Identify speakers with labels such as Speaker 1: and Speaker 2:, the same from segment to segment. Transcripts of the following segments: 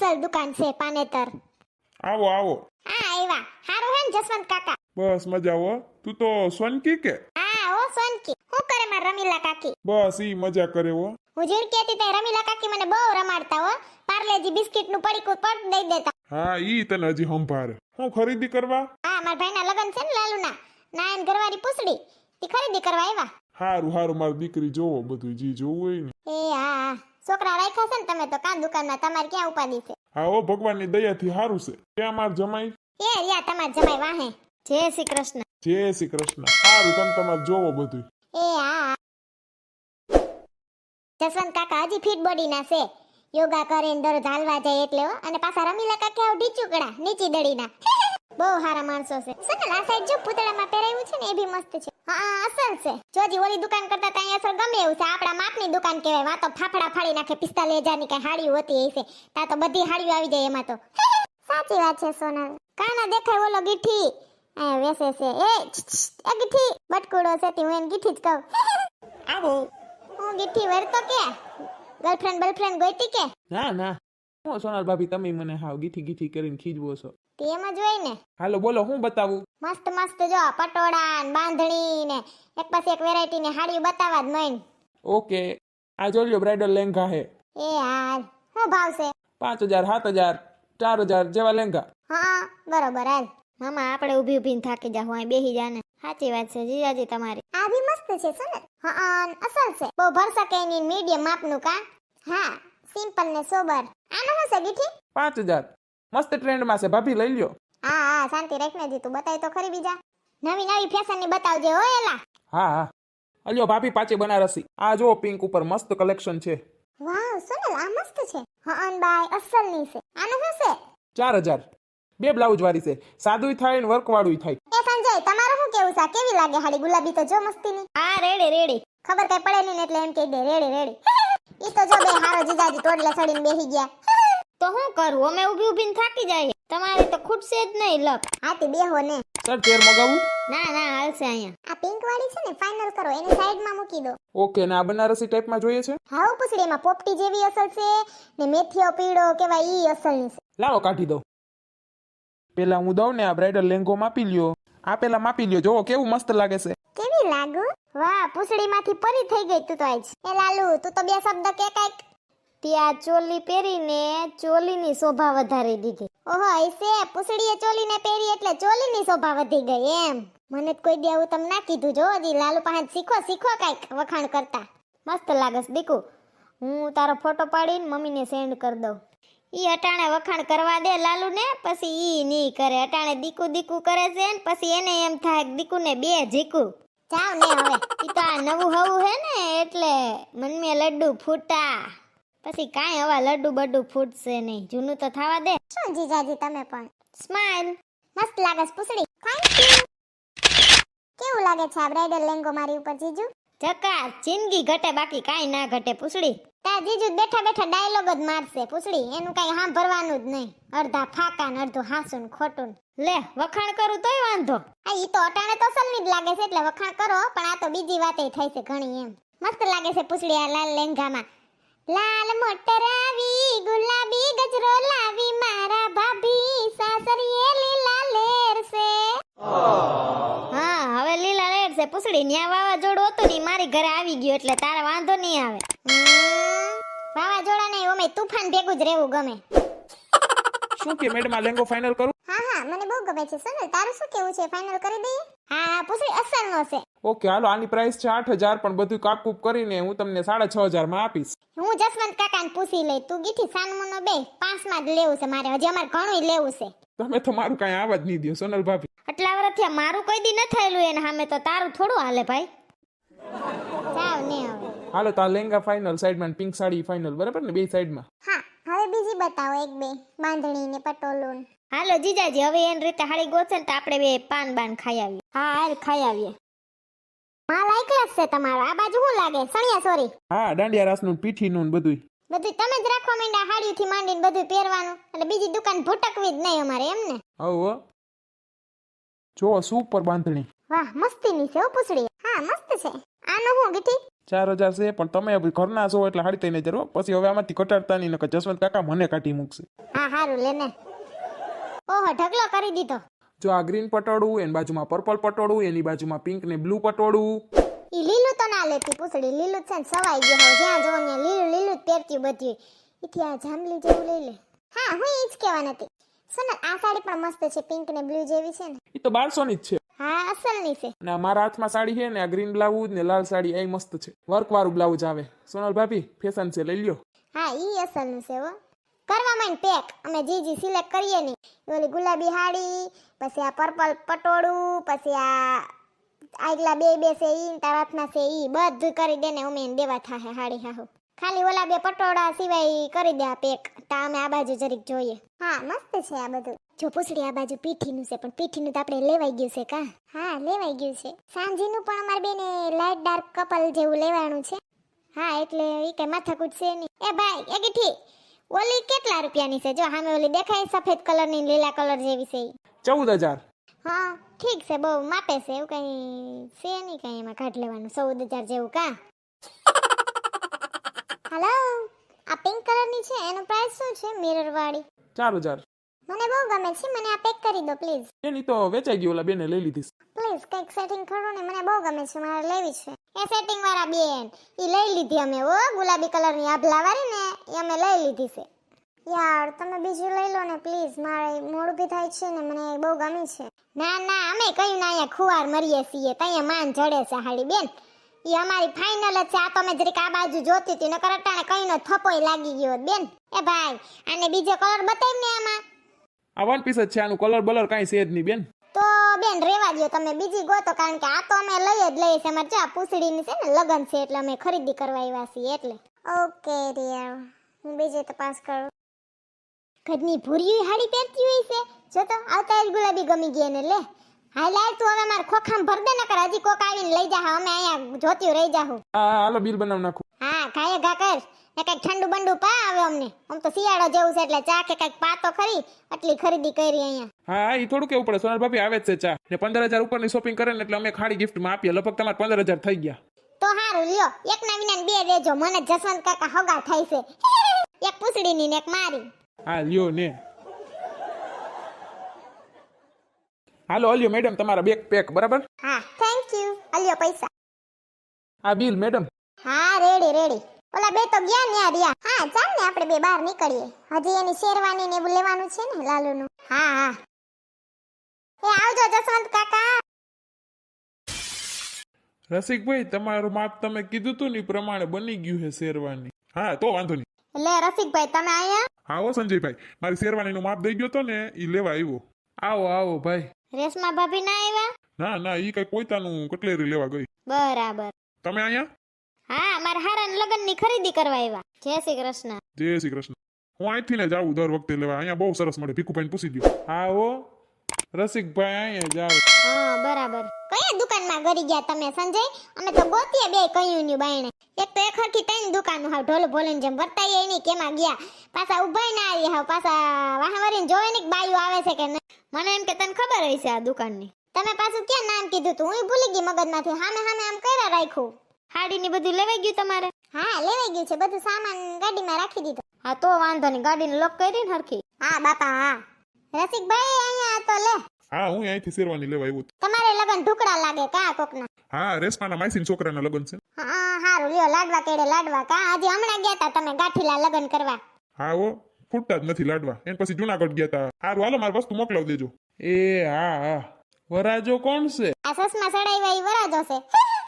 Speaker 1: અસલ દુકાન છે પાનેતર.
Speaker 2: આવો આવો.
Speaker 1: હા આવ્યા. હારું હે ને જસવંત કાકા?
Speaker 2: બસ મજા હો. તું તો સોનકી કે?
Speaker 1: હા ઓ સોનકી. હું કરે માર રમીલા કાકી?
Speaker 2: બસ ઈ મજા કરે હો.
Speaker 1: હું ઝીણકી હતી તે રમીલા કાકી મને બહુ રમાડતા હો. પાર્લેજી બિસ્કિટ નું પડીકું પડ દઈ દેતા.
Speaker 2: હા ઈ તને હજી સંભાળે. હું ખરીદી કરવા?
Speaker 1: હા મારા ભાઈના લગન છે ને લાલુના. નાયન ઘરવાળી પૂછડી. તી ખરીદી કરવા આવ્યા.
Speaker 2: હારું હારું મારી દીકરી જોવો બધું જી જોવું હોય ને.
Speaker 1: એ હા છોકરા રાખ્યા છે ને તમે તો કાં દુકાનમાં તમારે ક્યાં ઉપાડી છે?
Speaker 2: હા ઓ ભગવાનની દયાથી હારું છે. ક્યાં માર જમાઈ?
Speaker 1: એ રિયા તમાર જમાઈ વાહે. જય શ્રી કૃષ્ણ.
Speaker 2: જય શ્રી કૃષ્ણ. હારું તમે તમારે જોવો બધું.
Speaker 1: એ હા જસવંત કાકા હજી ફિટ બોડી ના છે. યોગા કરીને દરરોજ હાલવા જાય એટલે હો. અને પાછા રમીલા કાકા આવ ઢીચુકડા નીચી દડીના. બહુ સારા માણસો છે. સનલ આ સાઈડ જો પૂતળામાં પહેરાવ્યું છે ને એ બી મસ્ત છે. હા અસલ છે. જોજી ઓલી દુકાન કરતા ત્યાં અસલ ગમે એવું છે. આપણા માપની દુકાન કહેવાય. વા તો ફાફડા ફાડી નાખે 45,000 ની કઈ હાડીઓ હોતી હશે. તા તો બધી હાડીઓ આવી જાય એમાં તો. સાચી વાત છે સોનલ. કાના દેખાય ઓલો ગીઠી આ વેસે છે. એ ગીઠી બટકુડો છે તી હું એને ગીઠી જ કહું.
Speaker 3: આવો.
Speaker 1: હું ગીઠી વરતો કે ગર્લફ્રેન્ડ ગોઈતી કે?
Speaker 3: ના ના હું સોનલ ભાભી તમે મને હાવ ગીઠી ગીઠી કરીને ખીજવો છો.
Speaker 1: તે એમ જ હોય ને.
Speaker 3: હાલો બોલો હું બતાવું?
Speaker 1: મસ્ત મસ્ત જો પટોળા ને બાંધણી ને એક પછી એક વેરાયટી ની હાડીઓ બતાવવા જ મન.
Speaker 3: ઓકે આ જોઈ લ્યો બ્રાઇડલ લેંઘા હે.
Speaker 1: એ હાલ શું ભાવ છે?
Speaker 3: 5,000 7,000 4,000 જેવા લેંઘા.
Speaker 1: હા બરોબર હાલ. મામા આપણે ઊભી ઊભીને થાકી જાવ અહીં બેહી જાને. સાચી વાત છે જીજાજી તમારી. આ બી મસ્ત છે સોનલ. હા અસલ છે. બહુ ભરસકે ની મીડિયમ માપનું કા. હા સિમ્પલ ને સોબર. આનો શું છે ગીઠી?
Speaker 3: 5,000 મસ્ત ટ્રેન્ડમાં છે ભાભી લઈ લ્યો.
Speaker 1: હા શાંતિ રાખને જી તું બતાય તો ખરી બીજા. નવી ફેશન ની બતાવજે હો એલા.
Speaker 3: હા હા અલ્યો ભાભી પાછી બનારસી. આ જો પિંક ઉપર મસ્ત કલેક્શન છે.
Speaker 1: વાવ સોનલ આ મસ્ત છે. હા બાય અસલ ની છે. આનો શું છે?
Speaker 3: 4,000 બે બ્લાઉઝ વાળી છે. સાદુય થાય ને વર્ક વાળું થાય.
Speaker 1: એ સંજય તમારું શું કેવું છે? કેવી લાગે હાડી? ગુલાબી તો જો મસ્તીની. હા રેડી ખબર કઈ પડે નહીં એટલે એમ કહી દે રેડી. ઈ તો જો બે હારો જીજાજી ટોડલે સડીને બેહી ગયા. તો હું કરું? અમે ઊભી ઊભીને થાકી જાય. તમારે તો ખૂટશે જ નહીં લક. હાથી બેહો ને.
Speaker 3: સર ચેર મગાવું?
Speaker 1: ના હાલશે અહીંયા. આ પિંક વાળી છે ને ફાઇનલ કરો એની સાઈડમાં મૂકી દો.
Speaker 3: ઓકે ને આ બનારસી ટાઈપમાં જોઈએ છે?
Speaker 1: હાઉ પૂછડી એમાં પોપટી જેવી અસલ છે ને મેથીઓ પીળો કેવાય ઈ અસલની છે.
Speaker 3: લાવો કાઢી દો. પેલા હું દઉં ને આ બ્રાઇડલ લેંઘો માપી લ્યો. આ પેલા માપી લ્યો જોવો કેવું મસ્ત લાગે છે.
Speaker 1: કેવી લાગુ? વાહ પૂછડીમાંથી પરી થઈ ગઈ તું તો આજ. એ લાલુ તું તો બે શબ્દ કે કાઈક. ત્યાં ચોલી પહેરીને ચોલીની શોભા વધારી દીધી. ઓહો એસે પૂછડીએ ચોલીને પહેરી એટલે ચોલીની શોભા વધી ગઈ એમ. મને તો કોઈ દી આવું તમ ના કીધું. જો હજી લાલુ પાસે શીખો કાઈક વખાણ કરતા. મસ્ત લાગસ દીકુ. હું તારો ફોટો પાડીને મમ્મીને સેન્ડ કરી દઉં. ઈ અટાણે વખાણ કરવા દે લાલુ ને પછી ઈ ની કરે. અટાણે દીકુ કરે છે ને પછી એને એમ થાય દીકુ ને બે જીકુ. જાવ ને હવે. ઈ તો આ નવું હવું હે ને એટલે મન મે લડ્ડુ ફૂટા. પછી કાંઈ હવા લડ્ડુ બડ્ડુ ફૂટશે નહીં. જૂનું તો થવા દે. શું જીજાજી તમે પણ સ્માઈલ. મસ્ત લાગે પૂછડી. Thank you. કેવું લાગે છે આ બ્રાઇડલ લેંઘો મારી ઉપર જીજુ? જકા જિંદગી ઘટે બાકી કાંઈ ના ઘટે પૂછડી. તા જીજુ બેઠા ડાયલોગ જ મારશે પૂછડી. એનું કાંઈ સાંભળવાનું જ નહીં. અડધા ફાકા ને અડધું હાસું ને ખોટું. લે વખાણ કરું તોય વાંધો. આ ઈ તો અટાણે તો સલની જ લાગે છે એટલે વખાણ કરો. પણ આ તો બીજી વાતે થાય છે ઘણી એમ. મસ્ત લાગે છે પૂછડી આ લાલ લેંઘામાં. લાલ મોટર આવી ગુલાબી ગજરો લાવી મારા ભાભી સાસરીએ લીલા લેર છે. હા હવે લીલા લેર છે પૂછડી. ન્યા વાવાઝોડું હતું ને મારી ઘરે આવી ગયું એટલે તારે વાંધો નહીં આવે. વાવાઝોડા નહીં ઓમે તુફાન ભેગું જ રહેવું ગમે.
Speaker 3: શું કે મેડમ આ લેંઘો ફાઇનલ કરું?
Speaker 1: હા મને બહુ ગમે છે સોનલ. તારું શું કેવું છે? ફાઇનલ કરી દઈએ? હા પૂછડી અસલનો છે.
Speaker 3: ઓકે હાલો આની પ્રાઇસ છે 8,000 પણ બધું કાપકૂપ કરીને હું તમને 6,500 માં આપીશ.
Speaker 1: હું જસવંત કાકાને પૂછી લઈ. તું ગીઠી સાનમોનો બે 5 માં જ લેવું છે મારે. હજી અમારે ઘણું લેવું છે.
Speaker 3: તમે તો મારું કાંઈ આવા જ નહીં દો સોનલ ભાભી.
Speaker 1: આટલા વર્ષથી મારું કોઈ દી ન થયેલું એને સામે તો તારું થોડું હાલે ભાઈ. જાવ ને હવે.
Speaker 3: હાલો તો આ લેંઘા ફાઇનલ સાઈડમાં પિંક સાડી ફાઇનલ બરાબર ને બે સાઈડમાં.
Speaker 1: હા હવે બીજી બતાવો એક બે બાંધણી ને પટોલું. હાલો જીજાજી હવે એની રીતે હાડી ગોચે તો આપણે બે પાન બાન ખાઈ આવીએ. હા હાલ ખાઈ આવીએ. માલ આઈક્લાસ છે તમારો. આ બાજુ શું લાગે? સણિયા સોરી.
Speaker 3: હા દાંડિયા રાસનું પીઠીનું બધું
Speaker 1: તમે જ રાખવા માંડ્યા હાડીથી માંડીને બધું પહેરવાનું. એટલે બીજી દુકાન ભટકવી જ નહીં અમારે એમ ને.
Speaker 3: હો જો સુપર બાંધણી.
Speaker 1: વાહ મસ્તીની છે હો પૂછડી. હા મસ્ત છે. આનો હું ગીઠી?
Speaker 3: 4000 છે પણ તમે હવે ઘરના છો એટલે 3500 હો. પછી હવે આમાંથી ઘટાડતા નહીં નકર જસવંત કાકા મને કાઢી મૂકશે.
Speaker 1: હા હારું લેને. ઓહો ઢગલો કરી દીધો.
Speaker 3: જો આ ગ્રીન પટોળું, એની બાજુમાં પર્પલ પટોળું, એની બાજુમાં પિંક ને બ્લુ પટોળું.
Speaker 1: ઈ લીલું તો ના લેતી પૂછડી, લીલું જ છે ને સવાઈ ગયું હવે જ્યાં જોવો ને લીલું લીલું જ પહેરતી બધી. ઈથી આ જાંબલી જેવું લઈ લે. હા હું ઈ જ કહેવા નથી. સોનલ આ સાડી પણ મસ્ત છે, પિંક ને બ્લુ જેવી છે ને.
Speaker 3: એ તો 1200 ની જ છે.
Speaker 1: હા અસલની છે.
Speaker 3: અને આ મારા હાથમાં સાડી છે ને આ ગ્રીન બ્લાઉઝ ને લાલ સાડી એ મસ્ત છે. વર્ક વાળું બ્લાઉઝ આવે. સોનલ ભાભી ફેશન છે, લઈ લ્યો.
Speaker 1: હા ઈ અસલનું છે હો. કરવા માંડ પેક, અમે જી સિલેક્ટ કરીએ નહીં. ઓલી ગુલાબી હાડી, પછી આ પર્પલ પટોળું, પછી આ આગલા બે છે ઈ તારા હાથમાં છે ઈ બધું કરી દે ને અમે એને દેવા થાહે હાડી હાહુ. ખાલી ઓલા બે પટોળા સિવાય કરી દે આ પેક. તા અમે આ બાજુ જરીક જોઈએ. હા મસ્ત છે આ બધું. જો પૂછડી આ બાજુ પીઠીનું છે પણ પીઠીનું તો આપણે લેવાઈ ગયું છે કા? હા લેવાઈ ગયું છે. સાંજીનું પણ અમારે બેને લાઈટ ડાર્ક કપલ જેવું લેવાનું છે. હા એટલે ઈ કઈ માથાકૂટ છે નહીં. એ ભાઈ એ ગીઠી ઓલી કેટલા રૂપિયાની છે? જો સામે ઓલી દેખાય સફેદ કલરની લીલા કલર જેવી છે ઈ.
Speaker 3: 14000.
Speaker 1: હા ઠીક છે, બહુ માપે છે એવું કઈ છે નહીં કઈ એમાં કાઢ લેવાનું. 14000 જેવું કા? હાલો આ પિંક કલરની છે એનો પ્રાઇસ શું છે? મિરર વાળી
Speaker 3: 4000.
Speaker 1: મને બહુ ગમે છે, મને આ પેક કરી દો પ્લીઝ.
Speaker 3: એની તો વેચાઈ ગઈ, ઓલા બેને લઈ લીધી.
Speaker 1: પ્લીઝ કંઈક સેટિંગ કરો ને, મને બહુ ગમે છે, મારે લેવી છે. એ સેટિંગ વાળા બેન ઈ લઈ લીધી અમે. ઓ ગુલાબી કલરની આભલા વાળી ને એ અમે લઈ લીધી છે. યાર તમે બીજું લઈ લો ને પ્લીઝ, મારે મોડું બી થાય છે ને મને બહુ ગમી છે. ના ના અમે કયું ના અહીંયા ખુવાર મરીએ છીએ, ત્યાં માન જડે છે હાડી બેન. ઈ અમારી ફાઇનલ જ છે. આ તો અમે જરીક આ બાજુ જોતી હતી નકર અટાણે કઈનો થપોય લાગી ગયો બેન. એ ભાઈ આને બીજો કલર બતાવ ને આમાં.
Speaker 3: આ વન પીસ જ છે, આનું કલર બલર કાંઈ છે જ નહીં બેન.
Speaker 1: તો બેન રેવા દો તમે બીજી ગોતો, કારણ કે આ તો અમે લઈ જ લઈએ છે. અમારે ચા પૂછડીની છે ને લગન છે એટલે અમે ખરીદી કરવા આવ્યા છીએ એટલે. ઓકે રિયા હું બીજી તપાસ કરું. ઘરની ભૂરી હાડી પહેરતી હોય છે. જો તો આવતા જ ગુલાબી ગમી ગઈ ને લે. હાલ હાલ તું હવે માર ખોખામ ભર દે નકર હજી કોક આવીને લઈ જા. અમે અહીંયા જોતી રહી જાહું.
Speaker 3: હા હાલો બિલ બનાવ નાખું.
Speaker 1: હા ખાય ઘા કર ને કઈક ઠંડુ બંડુ પા આવે અમને. આમ તો શિયાળો જેવું છે એટલે ચા કે કઈક પાતો ખરી આટલી ખરીદી કરી અહીંયા.
Speaker 3: હા એ થોડું કેવું પડે. સોનલ ભાભી આવે જ છે ચા ને 15000 ઉપરની શોપિંગ કરે ને એટલે અમે ખાડી ગિફ્ટમાં આપીએ. લગભગ તમારે 15000 થઈ ગયા.
Speaker 1: તો હારું લ્યો, એક ના વિના બે દેજો. મને જસવંત કાકા હગા થાય છે. એક પૂછડીની ને એક મારી.
Speaker 3: હા લ્યો ને. હાલો અલ્યો મેડમ તમારા બેગ પેક. બરાબર?
Speaker 1: હા થેન્ક યુ. અલ્યો પૈસા.
Speaker 3: આ બિલ મેડમ.
Speaker 1: હા રેડી રેડી. ઓલા બે તો ગયા ને આ રહ્યા. હા ચાલ ને આપણે બે બહાર નીકળીએ. હજી એની શેરવાની ને એવું લેવાનું છે ને લાલુનું. હા હા એ આવજો જસવંત કાકા.
Speaker 2: રસિકભાઈ તમારું માપ તમે કીધું તું ને ઈ પ્રમાણે બની ગયું છે શેરવાની. હા તો વાંધો નહીં.
Speaker 1: લે રસિકભાઈ તમે આયા?
Speaker 2: હા હો સંજયભાઈ, મારી શેરવાનીનું માપ દઈ ગયો તો ને ઈ લેવા આવ્યો.
Speaker 3: આવો આવો ભાઈ.
Speaker 1: રેશમા ભાભી ના આવ્યા?
Speaker 2: ના ના ઈ કઈ પોતાનું કટલેરી લેવા ગઈ.
Speaker 1: બરાબર.
Speaker 2: તમે અહીંયા?
Speaker 1: હા મારા હારાના લગ્નની ખરીદી કરવા આવ્યા. જય શ્રી કૃષ્ણ.
Speaker 2: જય શ્રી કૃષ્ણ. હું અહીંથી ને જાઉં દર વખતે લેવા. અહીંયા બહુ સરસ મળે. ભીખુભાઈને પૂછી દો.
Speaker 3: હા હો રસિકભાઈ અહીંયા જાવ.
Speaker 1: હા બરાબર. કયા દુકાનમાં ગરી ગયા તમે સંજય? અમે તો ગોતીએ બે કયું ન્યુ બાયણે. એક તો એક હરખી ત્રણ દુકાનો હાવ ઢોલ ભોલીને જેમ વર્તાઈએ નહીં કેમાં ગયા. પાછા ઉભાઈ ના આવી હાવ. પાછા વાહવરીને જોવે ને બાયું આવે છે કે નહીં. મને એમ કે તને ખબર હોય છે આ દુકાનની. તમે પાછું ક્યાં નામ કીધું તું? હું ભૂલી ગઈ મગજમાંથી. હામે હામે આમ કર્યા રાખ્યું. હાડીની બધું લેવાઈ ગયું તમારે? હા લેવાઈ ગયું છે. બધું સામાન ગાડીમાં રાખી દીધું. હા તો વાંધો નહીં. ગાડીને લોક કરી ને હરખી. હા બાપા હા. રસિકભાઈ અહીંયા તો લે.
Speaker 2: હા હું અહીંથી શેરવાની લેવા આવ્યો.
Speaker 1: તમારે લગન ઢુકડા લાગે કા કોકના?
Speaker 2: હા રેશમાના માસીન છોકરાના લગ્ન છે.
Speaker 1: હા હારું લ્યો. લાડવા કેડે લાડવા કા? આજે હમણાં ગયા તા તમે ગાંઠીલા લગન કરવા.
Speaker 2: હા હો ફૂટતા જ નથી લાડવા. એને પછી જુનાગઢ ગયા તા. હારું હાલો મારી વસ્તુ મોકલાવી દેજો.
Speaker 3: એ હા હા વરાજો કોણ છે?
Speaker 1: આ સસમા સડાઈવા ઈ વરાજો છે.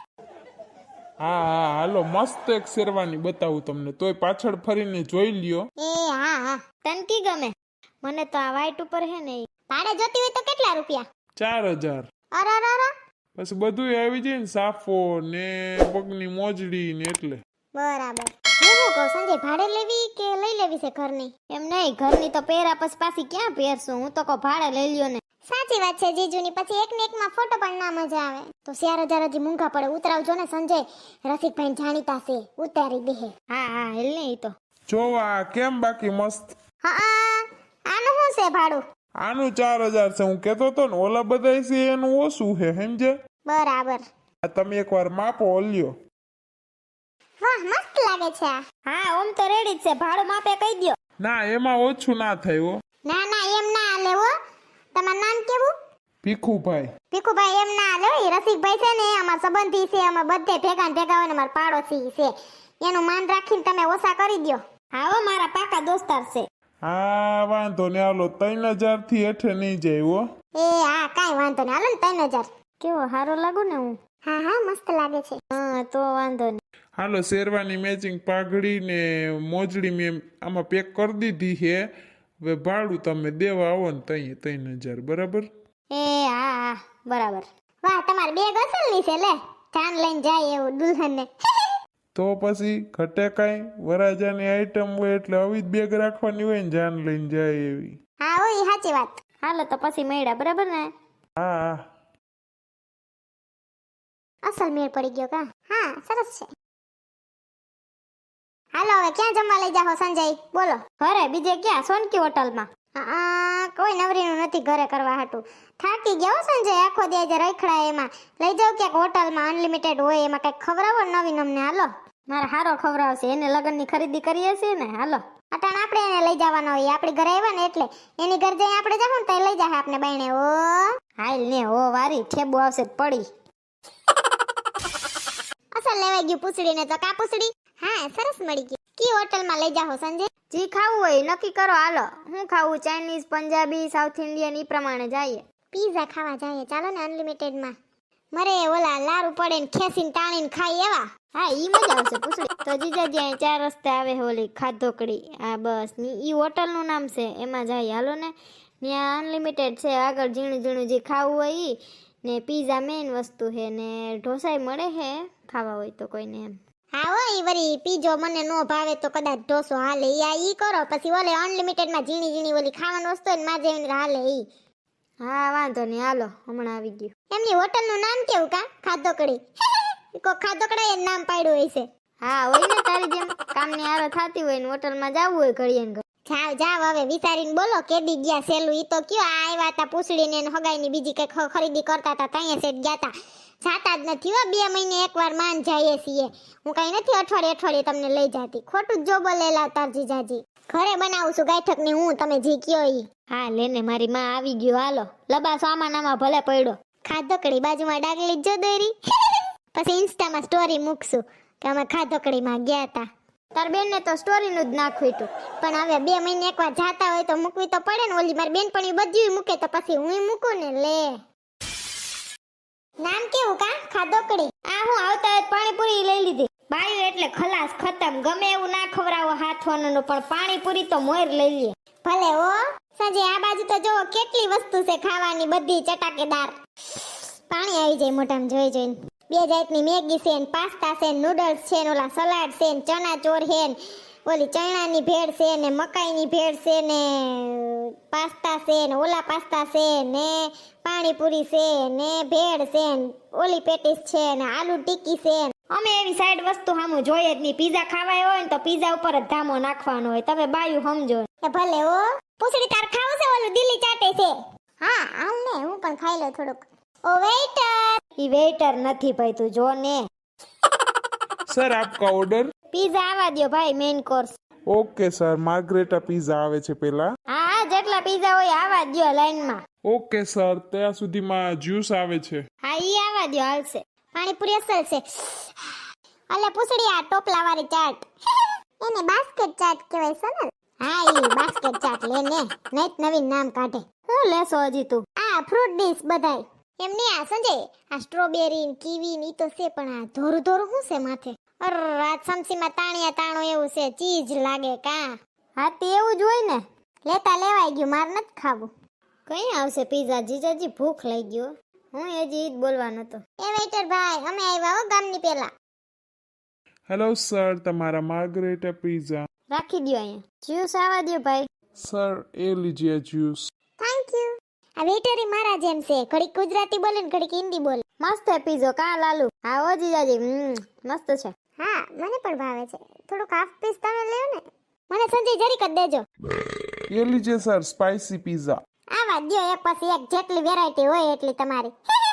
Speaker 3: હા હા હાલો મસ્ત એક શેરવાની બતાવું તમને. તોય પાછળ ફરીને જોઈ લ્યો.
Speaker 1: એ હા હા તને કી ગમે? મને તો આ વાઈટ ઉપર હે ને ભાડે જોતી હોય તો કેટલા રૂપિયા?
Speaker 3: 4000.
Speaker 1: અરે અરે અરે
Speaker 3: પછી બધું આવી જાય ને સાફો ને પગની મોજડી ને એટલે.
Speaker 1: બરાબર. હું કહું સંજય ભાડે લેવી કે લઈ લેવી છે ઘરની? એમ નહીં ઘરની તો પહેરા પછી પાછી ક્યાં પહેરશું. હું તો કહું ભાડે લઈ લ્યો ને. સાચી વાત છે જીજુની. પછી એક ને એકમાં ફોટો પણ ના મજા આવે. તો 4000 હજી મૂંઘા પડે. ઉતરાવજો ને સંજય. રસિકભાઈ જાણીતા છે ઉતારી દે. હા હા હેલ ને ઈ તો
Speaker 3: જોવા કેમ બાકી મસ્ત.
Speaker 1: હા આનું શું છે ભાડું?
Speaker 3: આનું 4000 છે. હું કેતો તો ને ઓલા બધા છે એનું ઓછું છે સમજે.
Speaker 1: બરાબર.
Speaker 2: આ તમે એકવાર માપો ઓલ્યો.
Speaker 1: વાહ મસ્ત લાગે છે આ. હા ઓમ તો રેડી જ છે, ભાડું માપે કહી દ્યો.
Speaker 2: ના એમાં ઓછું ના થાય હો.
Speaker 1: ના ના એમ ના હાલે હો. તમારું નામ કેવું?
Speaker 2: ભીખુભાઈ.
Speaker 1: ભીખુભાઈ એમ ના હાલે હો. ઈ રસિકભાઈ છે ને અમાર સંબંધી છે, અમે બધે ભેગા ને ભેગા હોય ને અમાર પાડોશી છે. એનું માન રાખીને તમે ઓછા કરી દ્યો. હા હો મારા પાકા દોસ્તાર છે.
Speaker 2: હા વાંધો ને હાલો 3000 થી હેઠે નહીં જાય હો.
Speaker 1: એ હા કાઈ વાંધો નહીં, હાલો ને 3000. કેવો હારો લાગુ ને હું? હા હા મસ્ત લાગે છે. હા તો વાંધો નહીં.
Speaker 2: હાલો શેરવાની મેચિંગ પાઘડી ને મોજડી મેં આમાં પેક કરી દીધી છે. હવે ભાડું તમે દેવા આવો ને તઈ 3000 બરાબર.
Speaker 1: એ હા હા બરાબર. વાહ તમારે બેગ અસલની છે લે, જાન લઈને જાય એવું દુલ્હનને.
Speaker 2: તો પછી ઘટે કાંઈ વરાજાની આઈટમ હોય એટલે આવી જ બેગ રાખવાની હોય ને જાન લઈને જાય એવી.
Speaker 1: હા ઓય સાચી વાત. હાલો તો પછી મળ્યા બરાબર ને?
Speaker 2: હા હા
Speaker 1: અસલ મેળ પડી ગયો કા? હા સરસ છે. હાલો હવે ક્યાં જમવા લઈ જાહો સંજય? બોલો. ઘરે બીજે ક્યાં? સોનકી હોટલમાં. કોઈ નવરીનું નથી ઘરે કરવા હાટું. થાકી ગયા હો સંજય, આખો દી આજે રખડા એમાં. લઈ જાવ ક્યાંક હોટલમાં અનલિમિટેડ હોય એમાં કઈક ખવડાવો નવીન અમને. હાલો મારા હારો ખવડાવશે, એને લગ્નની ખરીદી કરીએ છીએ ને. હાલો અટાણ આપણે એને લઈ જવાનો હોય, આપણી ઘરે આવ્યા ને એટલે એની ઘર જઈ આપણે જાવ ને તો લઈ જાય આપણે બાયણે. ઓ હાલ ને ઓ વારી ઠેબુ આવશે પડી. અસલ લેવાઈ ગયું પૂછડીને તો કા પૂછડી? હા સરસ મળી ગયું. કી હોટલમાં લઈ જાઓ સંજય? જી ખાવું હોય નક્કી કરો. હાલો હું ખાવું? ચાઇનીઝ, પંજાબી, સાઉથ ઇન્ડિયન ઈ પ્રમાણે જઈએ. પીઝા ખાવા જઈએ ચાલો ને અનલિમિટેડમાં. મરે ઓલા લારું પડે ને ખેસીને તાણીને ખાઈ એવા. હા ઈ મજા આવશે પૂછડી. તો જીજાજી અહીં 4 રસ્તે આવે ઓલી ખાધોકડી. આ બસ ની ઈ હોટલનું નામ છે, એમાં જઈએ. હાલો ને ત્યાં અનલિમિટેડ છે. આગળ ઝીણું ઝીણું જે ખાવું હોય ઈ ને પીઝા મેઇન વસ્તુ છે ને ઢોસાઈ મળે છે ખાવા હોય તો કોઈને એમ. હા હો ઈ વરી પીજો મને નો ભાવે તો કદાચ ઢોસો હાલે. ઈ કરો પછી ઓલે અનલિમિટેડમાં ઝીણી ઝીણી ઓલી ખાવાનું વસ્તુ હોય ને માં જેવીને હાલે ઈ. હા વાંધો નહીં હાલો હમણાં આવી ગયું. એમની હોટલનું નામ કેવું કા? ખાધોકડી. કો ખાધોકડા એ નામ પાડ્યું હોય છે. હા હોય ને તારી જેમ કામની આરો થાતી હોય ને હોટલમાં જાવું હોય ઘડીએ ને જાવ જાવ હવે વિચારીને બોલો કેદી ગયા સેલું. ઈ તો કયો આ આવ્યા તા પૂછડીને ને હગાઈની બીજી કઈ ખરીદી કરતા હતા ત્યાં સેટ ગયા તા. જાતા જ નથી હો, 2 મહિને એકવાર માન જઈએ છીએ. હું કઈ નથી અઠવાડિયે તમને લઈ જાતી. ખોટું જો બોલેલા તાર જીજાજી. ઘરે બનાવું છું ગાયઠક ની હું, તમે જી કયો ઈ. હા લેને મારી માં આવી ગયો. હાલો લબાસો આમાં નામાં ભલે પડ્યો. ખાધોકડી બાજુમાં ડાગલી જો દોરી. પછી ઇન્સ્ટામાં સ્ટોરી મૂકશું કે અમે ખાધોકડીમાં ગયા તા. તાર બેનને તો સ્ટોરીનું જ નાખ્યું હતું, પણ હવે 2 મહિને એકવાર જાતા હોય તો મૂકવી તો પડે ને. ઓલી મારી બેનપણી બધું મૂકે તો પછી હું મૂકું ને. લે નામ કેવું કા? ખાધોકડી. આ હું આવતા હોય પાણીપુરી લઈ લીધી. બાયું એટલે ખલાસ ખતમ. ગમે એવું ના ખવરાવો હાથવાનું, પણ પાણીપુરી તો મોર લઈ લે. ભલે હો સંજય. આ બાજુ તો જો કેટલી વસ્તુ છે ખાવાની, બધી ચટાકેદાર. પાણી આવી જાય મોઢામાં જોઈ જોઈને. 2 જાતની મેગી છે ને પાસ્તા છે ને નૂડલ્સ છે ને ઓલા સલાડ છે ને ચણા ચોર છે ને ઓલી ચણાની ભેળ છે ને મકાઈની ભેળ છે ને પાસ્તા છે ને ઓલા પાસ્તા છે ને પાણીપુરી છે ને ભેળ છે ને ઓલી પેટીસ છે ને આલુ ટીકી છે. અમે એવી સાઈડ વસ્તુ સામું જોઈએ જ નહીં. પીઝા ખાવાય હોય ને તો પીઝા ઉપર જ ધામો નાખવાનો હોય. તમે બાયું સમજો. ભલે હો પૂછડી તાર ખાવું છે ઓલું દિલ્હી ચાટે છે? હા હાલ ને હું પણ ખાઈ લઉં થોડુંક. ઓ વેઇટર. ઈ વેઇટર નથી ભાઈ, તું જો ને.
Speaker 2: Sir આપકા order.
Speaker 1: પીઝા આવા દો ભાઈ main course.
Speaker 2: Okay sir margherita pizza આવે છે પેલા.
Speaker 1: હા જેટલા પીઝા હોય આવા દો લાઈનમાં.
Speaker 2: ઓકે સર ત્યાં સુધીમાં જ્યુસ આવે છે.
Speaker 1: હા ઈ આવા દો હાલશે. પાણીપુરી અસલ છે. અલે પૂછડી આ ટોપલા વાળી ચાટ એને બાસ્કેટ ચાટ કહેવાય સોનલ. હા ઈ બાસ્કેટ ચાટ લે ને, નઈત નવીન નામ કાઢે. હું લેસો હજી તું? આ ફ્રૂટ ડીશ બધાય. એમ નહીં આ સંજય આ સ્ટ્રોબેરી ને કીવી ને ઈ તો છે, પણ આ ધોરું ધોરું શું છે માથે? અર આ સમસીમાં તાણિયા તાણો એવું છે, ચીજ લાગે કા? હા તે એવું જ હોય ને. લેતા લેવાઈ ગયું, માર નથી ખાવું. કઈ આવશે પીઝા? જીજાજી ભૂખ લઈ ગયો. હું હજી ઈ જ બોલવાનો હતો. એ વેઇટર ભાઈ અમે આવ્યા હો ગામની પેલા.
Speaker 2: હેલો સર તમારા માર્ગરેટા પીઝા.
Speaker 1: રાખી દો અહીંયા. જ્યુસ આવા દો ભાઈ.
Speaker 2: સર એ લીજીએ જ્યુસ.
Speaker 1: Thank you. આ વેઇટર મારા જેમ છે, ઘડીક ગુજરાતી બોલે ને ઘડીક હિન્દી બોલે. મસ્ત છે પીઝો કા લાલુ? હા ઓ જીજાજી મસ્ત છે. હા મને પણ ભાવે છે. થોડુંક હાફ પીસ તમે લેવો ને. મને સંજય જરીક જ દેજો.
Speaker 2: એ લીજીએ સર સ્પાઇસી પીઝા.
Speaker 1: આવા દો એક પછી એક, જેટલી વેરાયટી હોય એટલી તમારી.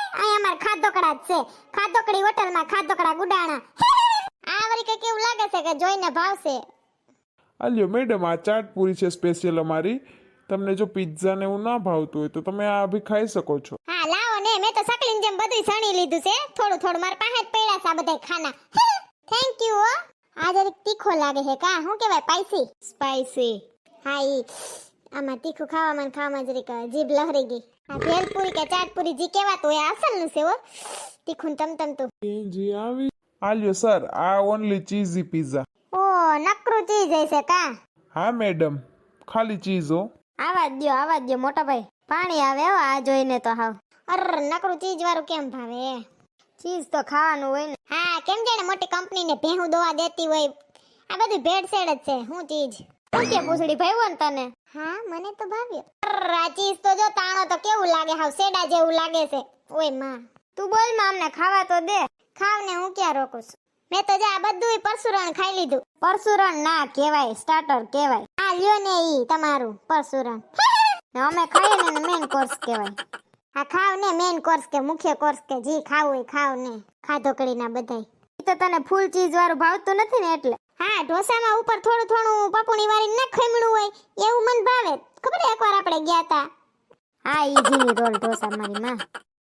Speaker 1: અમાર ખાધોકડા જ છે. ખાધોકડી હોટલમાં ખાધોકડા ગુડાણા. આ વળી કઈ કેવું લાગે છે કે જોઈને ભાવશે.
Speaker 2: આલ્યો મેડમ, આ ચાટ પૂરી છે સ્પેશિયલ અમારી. તમને જો પિઝા ને એવું ના ભાવતું હોય તો તમે આ બી ખાઈ શકો છો.
Speaker 1: હા લાવો ને, મેં તો સકલીન જેમ બધું સણી લીધું છે. થોડું થોડું મારા પાસે જ પડ્યા છે આ બધાય ખાના. થેન્ક યુ હો. આ જરીક તીખો લાગે છે કા? શું કહેવાય? સ્પાઈસી. હા ઈ આમાં તીખું ખાવામાં જરીક જીભ લહરી ગઈ. આ ભેલપુરી કે ચાટપુરી જી કહેવાતું એ અસલનું છે હો. તીખું તમતમતું.
Speaker 2: જી આવી. આલ્યો સર, આ ઓનલી ચીઝી પિઝા.
Speaker 1: ઓ નકરું ચીઝ હશે કા?
Speaker 2: હા મેડમ, ખાલી ચીઝ હો.
Speaker 1: આવા દ્યો મોટા ભાઈ. પાણી આવે હો આ જોઈને તો હાવ. અર નકરું ચીઝ વાળું કેમ ભાવે? ચીઝ તો ખાવાનું હોય ને. હા, કેમ જાણે મોટી કંપનીને ભેહું દવા દેતી હોય. આ બધું ભેળસેળ જ છે. હું ચીઝ શું કે પૂછડી ભાઈઓ ને તને? હા, મને તો ભાવ્યો. અર આ ચીઝ તો જો તાણો તો કેવું લાગે, હાવ સેડા જેવું લાગે છે. ઓય માં, તું બોલ માં, અમને ખાવા તો દે. ખાવ ને, હું ક્યાં રોકું છું? મેં તો જા બધુંય પરસુરણ ખાઈ લીધું. પરસુરણ ના કહેવાય, સ્ટાર્ટર કહેવાય. આ લ્યો ને ઈ તમારું પરસુરણ. ને અમે ખાઈએ ને મેન કોર્સ કહેવાય. આ ખાવ ને મેન કોર્સ કે મુખ્ય કોર્સ કે જી ખાવું હોય ખાવ ને. ખાધોકડીના બધાય. ઈ તો તને ફૂલ ચીઝ વાળું ભાવતું નથી ને એટલે. હા, ઢોસામાં ઉપર થોડું થોડું પપુણી વાળી ના ખમણું હોય એવું મને ભાવે. ખબર એકવાર આપણે ગયા તા. હા, ઈ જીની રોલ ઢોસા મારી માં.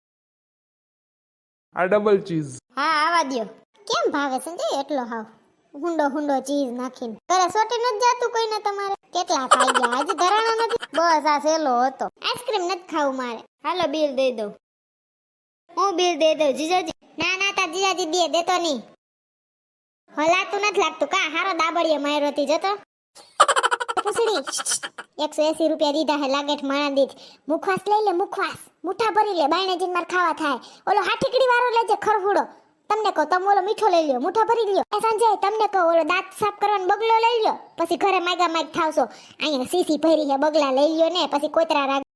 Speaker 2: આ ડબલ ચીઝ.
Speaker 1: હા, આવા દ્યો. કેમ ભાવે સંજય એટલો હાવ હુંડો ચીઝ નાખીને? ઘરે સોટી નથી જાતું કોઈને તમારે? કેટલા ખાઈ ગયા આજે? ધરાણો નથી? બસ આ સેલો હતો. આઈસ્ક્રીમ નથી ખાવું મારે. હાલો બિલ દઈ દઉં. હું બિલ દઈ દઉં જીજાજી? ના તા જીજાજી દે દેતો નહીં. હલાતું નથી લાગતું કા? હારો દાબડીએ માર્યો હતી જતો. પૂછડી 180 રૂપિયા દીધા હે લાગેઠ માણા દીધ. મુખવાસ લઈ લે, મુખવાસ મુઠ્ઠા ભરી લે. બાયણે જઈને માર ખાવા થાય. ઓલો હાઠીકડી વાળો લેજે ખરફુડો. તમને કહો તમે ઓલો મીઠો લઈ લ્યો, મુઠ્ઠા ભરી લ્યો. એ સંજય તમને કહો ઓલો દાંત સાફ કરવાનો બગલો લઈ લ્યો. પછી ઘરે માગા થાવશો. અહીંયા સીસી ભરી હે બગલા લઈ લ્યો ને પછી કોતરા રાખ.